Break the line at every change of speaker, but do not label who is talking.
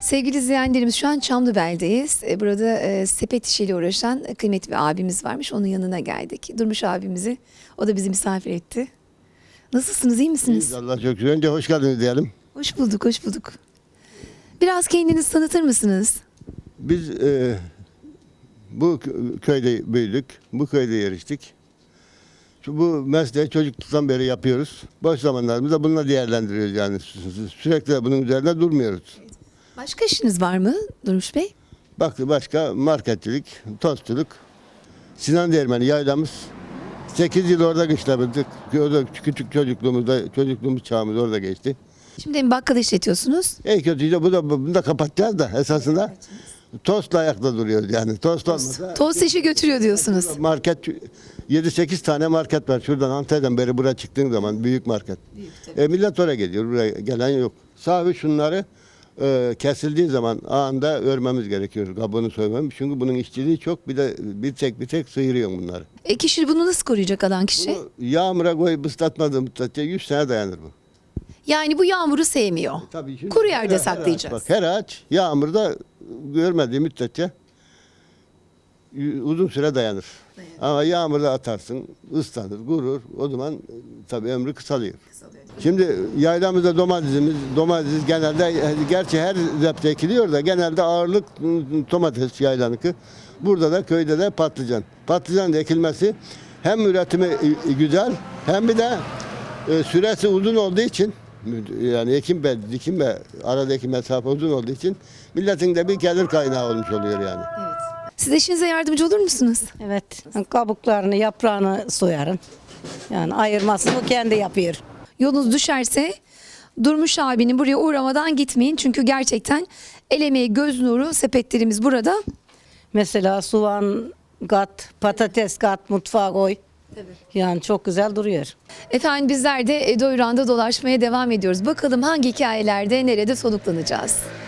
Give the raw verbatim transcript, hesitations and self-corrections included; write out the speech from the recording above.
Sevgili izleyenlerimiz şu an Çamlıbel'deyiz. E, Burada e, sepet işiyle uğraşan kıymetli bir abimiz varmış. Onun yanına geldik. Durmuş abimizi. O da bizi misafir etti. Nasılsınız, iyi misiniz?
İyiyiz, Allah çok şükür. Önce hoş geldiniz diyelim.
Hoş bulduk, hoş bulduk. Biraz kendinizi tanıtır mısınız?
Biz e, bu kö- köyde büyüdük, bu köyde yarıştık. Şu, bu mesleği çocukluktan beri yapıyoruz. Boş zamanlarımızda bununla değerlendiriyoruz yani. Sü- sü- Sürekli de bunun üzerinde durmuyoruz.
Başka işiniz var mı Durmuş Bey?
Baktı başka marketçilik, tostçuluk. Sinan Değirmeni yaylamız. sekiz yıl orada kışladık. Orada küçük çocukluğumuzda, çocukluğumuz çağımız orada geçti.
Şimdi bir bakkal işletiyorsunuz.
En kötüyü bu da bunu da kapatacağız da esasında tostla ayakta duruyoruz yani. Tost olmasa
Tost işi götürüyor diyorsunuz.
market yedi sekiz tane market var. Şuradan Antalya'dan beri buraya çıktığın zaman büyük market. E, millet oraya geliyor. Buraya gelen yok. Sahibi şunları e, kesildiği zaman anında örmemiz gerekiyor. Kabuğunu soymamız. Çünkü bunun işçiliği çok. Bir de bir tek bir tek sıyırıyor bunları.
E kişi bunu nasıl koruyacak alan kişi?
Bunu yağmura koyup ıslatmadığı müddetçe yüz sene dayanır bu.
Yani bu yağmuru sevmiyor.
Tabii şimdi
Kuru yerde
her- her
saklayacağız.
ağaç, bak, her ağaç yağmurda görmediği müddetçe y- uzun süre dayanır. Ama yağmurda atarsın, ıslanır, kurur. O zaman e, tabii ömrü kısalıyor. Şimdi yaylamızda domatesimiz, domates genelde e, gerçi her zepte ekiliyor da genelde ağırlık m, domates yaylanıkı. Burada da köyde de patlıcan. Patlıcan da ekilmesi hem üretimi e, güzel hem bir de e, süresi uzun olduğu için yani ekim ve dikim ve aradaki mesafe uzun olduğu için milletin de bir gelir kaynağı olmuş oluyor yani.
Siz eşinize yardımcı olur musunuz?
Evet, kabuklarını, yaprağını soyarım. Yani ayırmasını o kendi yapıyor.
Yolunuz düşerse Durmuş abinin buraya uğramadan gitmeyin. Çünkü gerçekten el emeği, göz nuru sepetlerimiz burada.
Mesela soğan kat, patates kat, mutfağa koy. Yani çok güzel duruyor.
Efendim bizler de Doyuran'da dolaşmaya devam ediyoruz. Bakalım hangi hikayelerde nerede soluklanacağız?